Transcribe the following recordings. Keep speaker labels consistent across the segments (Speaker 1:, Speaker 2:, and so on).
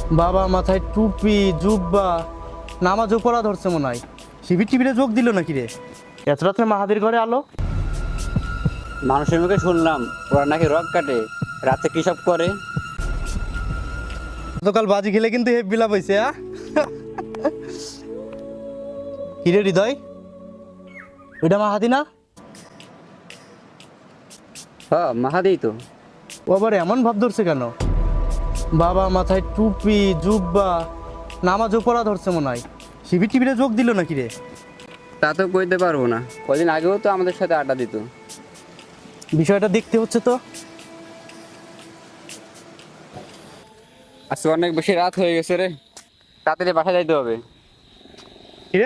Speaker 1: বাবা মাথায় টুপি জুব্বা, নামাজও পড়া ধরছে মনে হয়। শিবির টিবিরে যোগ দিল নাকি রে? এত রাত্রে মাহাদির ঘরে আলো?
Speaker 2: মানুষের মুখে শুনলাম ওরা নাকি রক কাটে, রাতে কি সব করে।
Speaker 1: গতকাল বাজি খেলে কিন্তু হেপ বিলাপ হয়েছে। কিরে হৃদয়, ওইটা মাহাদি না?
Speaker 2: মাহাদেই তো।
Speaker 1: ও আবার এমন ভাব ধরছে কেন? বাবা মাথায় টুপি জুব্বা, নামাজও পড়া ধরছে মনে হয়। শিবির টিবিরে যোগ দিল নাকি রে?
Speaker 2: তা তো কইতে পারবো না, কদিন আগেও তো আমাদের সাথে আড্ডা দিত।
Speaker 1: বিষয়টা দেখতে হচ্ছে তো।
Speaker 2: আজকে অনেক বেশি রাত হয়ে গেছে রে, তাড়াতাড়ি বাসায় যাইতে হবে।
Speaker 1: কিরে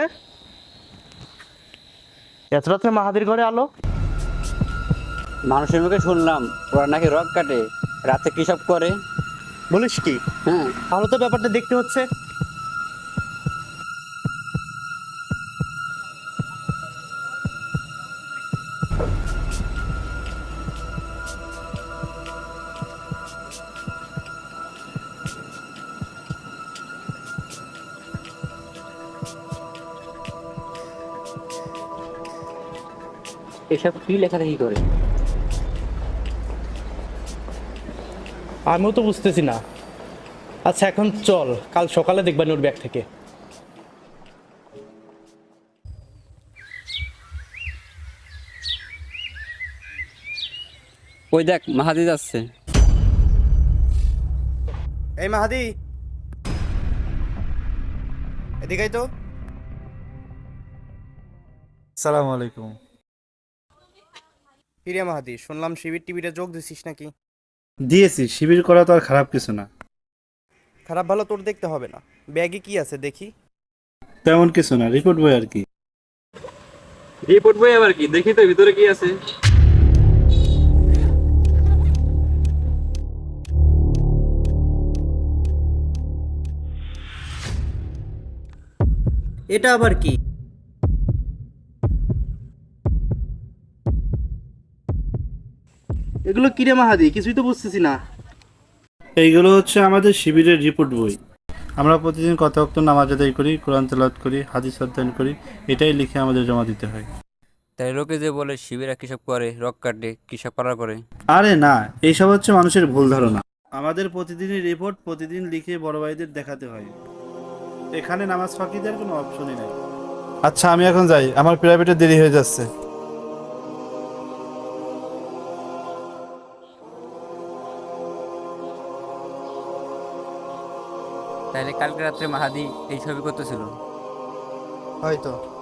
Speaker 1: এত রাত্রে মাহাদির ঘরে আলো?
Speaker 2: মানুষের মুখে শুনলাম ওরা নাকি রক কাটে, রাতে কি সব করে।
Speaker 1: বলিস কি?
Speaker 2: হ্যাঁ,
Speaker 1: তাহলে তো ব্যাপারটা দেখতে হচ্ছে।
Speaker 2: এসব কি লেখালেখি করে?
Speaker 1: আমিও তো বুঝতেছি না। আচ্ছা এখন চল, কাল সকালে দেখবেন ওর ব্যাগ থেকে।
Speaker 2: ওই দেখ মাহাদি যাচ্ছে।
Speaker 1: এই মাহাদি, এদিকেই তো।
Speaker 3: সালাম আলাইকুম।
Speaker 1: কিরে মাহাদি, শুনলাম শিবির টিবিরে যোগ দিছিস নাকি?
Speaker 3: দিয়েছি, শিবির করা তো আর খারাপ কিছু না।
Speaker 1: খারাপ ভালো তোর দেখতে হবে না। ব্যাগে কি আছে দেখি।
Speaker 3: তেমন কিছু না, রিপোর্ট বই আর কি।
Speaker 2: রিপোর্ট বই আবার কি, দেখি তো ভিতরে কি আছে।
Speaker 1: এটা আবার কি? এগুলো কিরে মাহাদি, কিছুই তো বুঝতেছি না।
Speaker 3: এইগুলো হচ্ছে আমাদের শিবিরের রিপোর্ট বই। আমরা প্রতিদিন কত ওয়াক্ত নামাজ আদায় করি, কোরআন তেলাওয়াত করি, হাদিস অধ্যয়ন করি, এটাই লিখে আমাদের জমা দিতে হয়।
Speaker 2: তাই লোকে যে বলে শিবিরা কিসব করে, রক কাটে, কিসব পারা করে।
Speaker 3: আরে না, এইসব হচ্ছে মানুষের ভুল ধারণা। আমাদের প্রতিদিনই রিপোর্ট প্রতিদিন লিখে বড় ভাইদের দেখাতে হয়। এখানে নামাজ ফাঁকি দেওয়ার কোনো অপশনই নাই। আচ্ছা আমি এখন যাই, আমার প্রাইভেটে দেরি হয়ে যাচ্ছে।
Speaker 2: তাইলে কালকে রাত্রে মাহাদি এই ছবি করতেছিল।
Speaker 1: হয়তো।